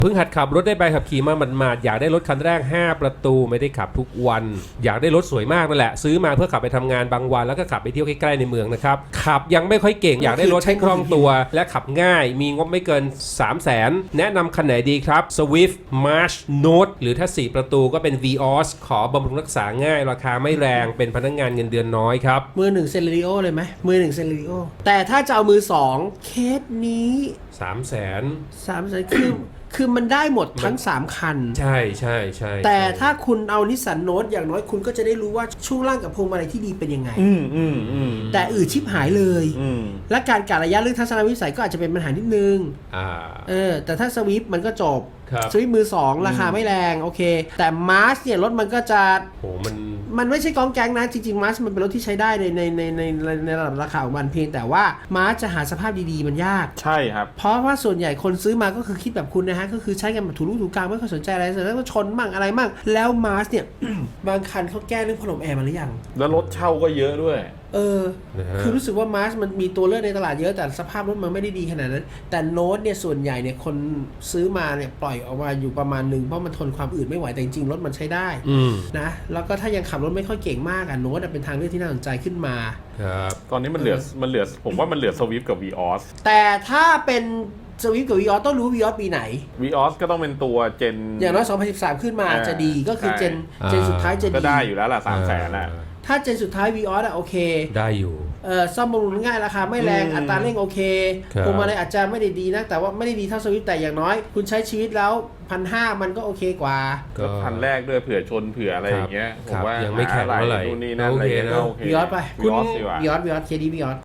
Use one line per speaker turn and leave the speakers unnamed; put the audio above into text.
เพิ่งหัดขับรถได้ใบขับขี่มาหมาดๆอยากได้รถคันแรก5ประตูไม่ได้ขับทุกวันอยากได้รถสวยมากนั่นแหละซื้อมาเพื่อขับไปทำงานบางวันแล้วก็ขับไปเที่ยวใกล้ๆในเมืองนะครับขับยังไม่ค่อยเก่งอยากได้รถให้คล่องตัวและขับง่ายมีงบไม่เกิน 300,000 แนะนำคันไหนดีครับ Swift March Note หรือถ้า4ประตูก็เป็น Vios ขอบำรุงรักษาง่ายราคาไม่แรงเป็นพนักงานเงินเดือนน้อยครับ
มือหนึ่งเซเลริโอเลยไหมมือหนึ่งเซเลริโอแต่ถ้าจะเอามือสองเคสนี้
300,000
300,000คือมันได้หมดทั้ง3คัน
ใช่ใช่ใช่
แต่ถ้าคุณเอานิสสันโนตอย่างน้อยคุณก็จะได้รู้ว่าช่วงล่างกับพวงมาลัยที่ดีเป็นยังไงแต่ชิบหายเลยและการกะระยะเรื่องทัศนวิสัยก็อาจจะเป็นปัญหานิดนึงแต่ถ้าสวิฟมันก็จบสวิฟมือ2ราคาไม่แรงโอเคแต่มาร์ชเนี่ยรถมันก็จะ
โห
มันไม่ใช่กองแก๊งนะจริงๆมาร์ชมันเป็นรถที่ใช้ได้ในระดับราคาของมันเพียงแต่ว่ามาร์ชจะหาสภาพดีๆมันยาก
ใช่ครับ
เพราะว่าส่วนใหญ่คนซื้อมาก็คือคิดแบบคุณนะฮะก็คือใช้กันแบบถูรูถูกลางไม่ค่อยสนใจอะไรเสร็จแล้วก็ชนมั่งอะไรมั่งแล้วมาร์ชเนี่ย บางคันเขาแก้เรื่องพัดลมแอร์มาหรือยัง
แล้วรถเช่าก็เยอะด้วย
คือรู้สึกว่ามาร์ชมันมีตัวเลือกในตลาดเยอะแต่สภาพรถมันไม่ได้ดีขนาดนั้นแต่โน้ตเนี่ยส่วนใหญ่เนี่ยคนซื้อมาเนี่ยปล่อยออกมาอยู่ประมาณนึงเพราะมันทนความอืดไม่ไหวแต่จริงๆรถมันใช้ได้นะแล้วก็ถ้ายังขับรถไม่ค่อยเก่งมากโน้ตเป็นทางเลือกที่น่าสนใจขึ้นมา
ครับตอนนี้มันเหลือผมว่ามันเหลือสวิฟกับ Vios
แต่ถ้าเป็นสวิฟกับ Vios ต้องรู้ Vios ปีไหน
Vios ก็ต้องเป็นตัวเจน
อย่างน้อย2013ขึ้นมาจะดีก็คือเจนสุดท้ายจะดี
ก็ได้อยู่แล้วล่ะ300,000น่ะ
ถ้าเจนสุดท้าย Vios โอเค
ได้อยู่
ซ่อมบำรุงง่ายราคาไม่แรงอัตราเร่งโอเคพวงมาลัยอาจจะไม่ได้ดีนะแต่ว่าไม่ได้ดีเท่าสวิฟแต่อย่างน้อยคุณใช้ชีวิตแล้ว 1,500 มันก็โอเคกว่า
ก็คันแรกด้วยเผื่อชนเผื่ออะไรอย่างเงี้ยผมว่า
ยังไม่แข็งเท่าไหร่
นู่นนี่นั่นอะไรเงี้ย
Vios ไปคุณ Vios เคดี Vios